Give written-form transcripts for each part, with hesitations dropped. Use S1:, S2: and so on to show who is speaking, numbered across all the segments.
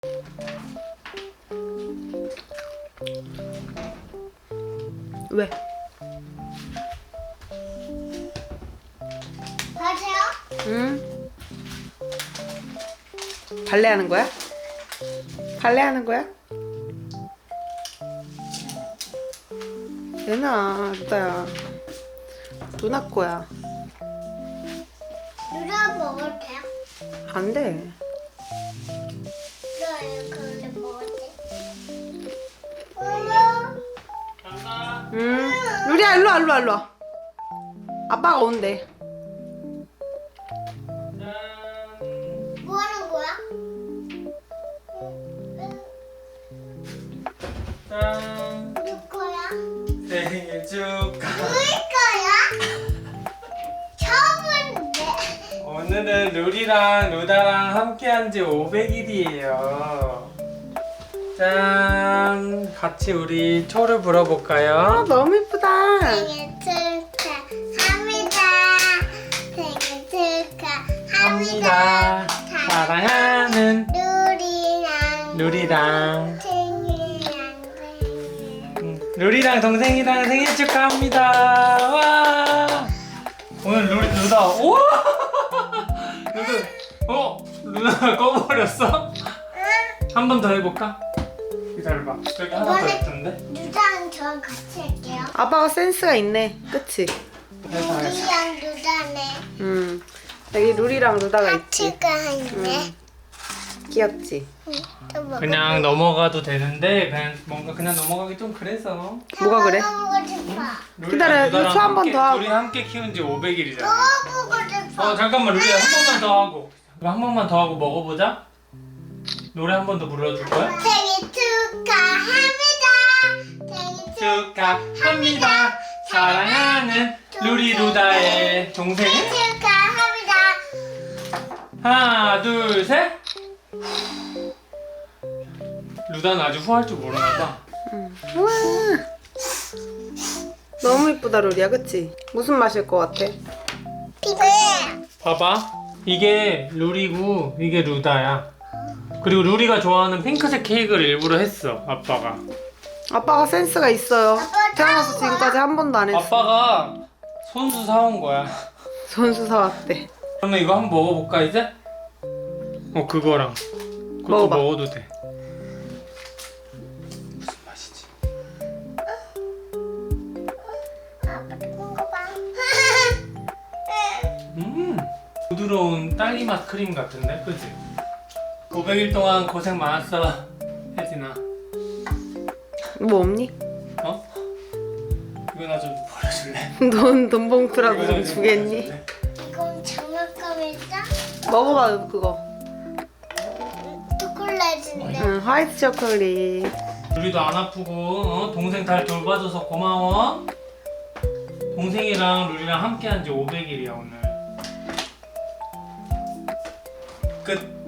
S1: 왜?
S2: 가세요?
S1: 응? 발레하는 거야? 발레하는 거야? 얘나 루다야, 누나 거야.
S2: 누나 먹어도 돼요?
S1: 안 돼.
S2: 그래요, 근데 먹어도 돼? 엄마.
S1: 루리야, 일로 와, 일로 와, 일로 와. 아빠가 온대.
S2: 뭐 하는 거야?
S3: 짠!
S2: 누구 거야?
S3: 생일 축하!
S2: 누구 거야? 처음인데.
S3: 오늘은 루리랑 루다랑 함께한 지 500일이에요. 짠! 같이 우리 초를
S1: 아,
S3: 불어볼까요?
S1: 너무 이쁘다.
S2: 생일 축하합니다. 생일 축하합니다.
S3: 사랑하는
S2: 누리랑
S3: 루리랑
S2: 생일이랑
S3: 루리랑 동생이랑 생일 축하합니다. 와! 오늘 루다 우와! 루다 꺼버렸어? 한 번 더 해볼까? 기다려봐. 여기 하나 더
S2: 이번에-
S3: 있던데?
S2: 누다랑 저랑 같이 할게요.
S1: 아빠가 센스가 있네. 그치?
S3: 해서 해서.
S2: 누리랑 누다네.
S1: 여기 루리랑 루다가 있지.
S2: 하트가 있네.
S1: 귀엽지?
S2: 또 먹어.
S3: 그냥 넘어가도 되는데 그냥 뭔가 그냥 넘어가기 좀 그래서.
S1: 뭐가 그래?
S2: 먹고 싶어.
S1: 기다려, 이거 초한번더 하고.
S3: 둘이 함께 키운 지 500일이잖아.
S2: 먹고 싶어.
S3: 잠깐만 루리야 한 번만 더 하고. 그럼 한 번만 더 하고 먹어보자. 노래 한 번 더 불러줄 거야?
S2: 생일 축하합니다. 생일
S3: 축하합니다. 사랑하는 루리 루다의 동생.
S2: 축하합니다.
S3: 하나 둘 셋. 루다는 아직 후할 줄 모르나 봐.
S1: 우와. 너무 이쁘다, 루리야. 그치? 무슨 맛일 것 같아?
S2: 피부.
S3: 봐봐. 이게 루리고 이게 루다야. 그리고 루리가 좋아하는 핑크색 케이크를 일부러 했어. 아빠가.
S1: 아빠가 센스가 있어요.
S2: 아빠
S1: 태어나서
S2: 사온 거야?
S1: 지금까지 한 번도 안 했어.
S3: 아빠가 손수 사온 거야.
S1: 손수 사왔대.
S3: 그러면 이거 한번 먹어볼까 이제? 그거랑 그것도
S1: 먹어봐.
S3: 먹어도 돼. 무슨 맛이지?
S2: 아빠 먹어봐.
S3: 부드러운 딸기맛 크림 같은데, 그치? 500일 동안 고생 많았어, 혜진아.
S1: 뭐 없니?
S3: 어? 이거 나 좀 버려줄래?
S1: 돈 봉투라도
S3: 이거
S1: 좀
S3: 나
S1: 주겠니?
S3: 버려줄래?
S2: 이건 장난감이다.
S1: 먹어봐, 그거.
S2: 초콜릿인데.
S1: 응, 화이트 초콜릿.
S3: 우리도 안 아프고 동생 잘 돌봐줘서 고마워. 동생이랑 루리랑 함께한 지 500일이야 오늘. 끝.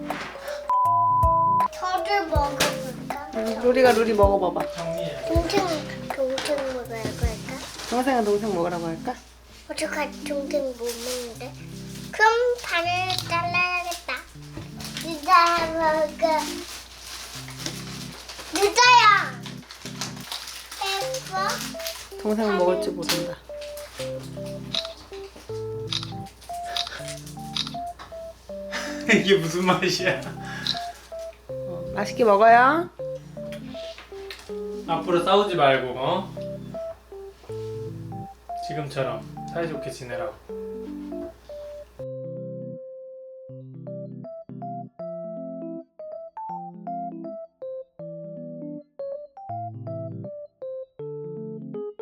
S2: 저를 먹어볼까?
S1: 루리가 루리 먹어봐봐.
S3: 정리해.
S2: 동생 먹어야 할까?
S1: 동생은 동생 먹으라고 할까?
S2: 어떡하지? 동생 못 먹는데. 그럼 반을 잘라야겠다. 유다 먹어. 유다야. 예뻐?
S1: 동생은 먹을 줄 모른다.
S3: 이게 무슨 맛이야?
S1: 맛있게 먹어요.
S3: 앞으로 싸우지 말고 지금처럼 사이좋게 지내라고.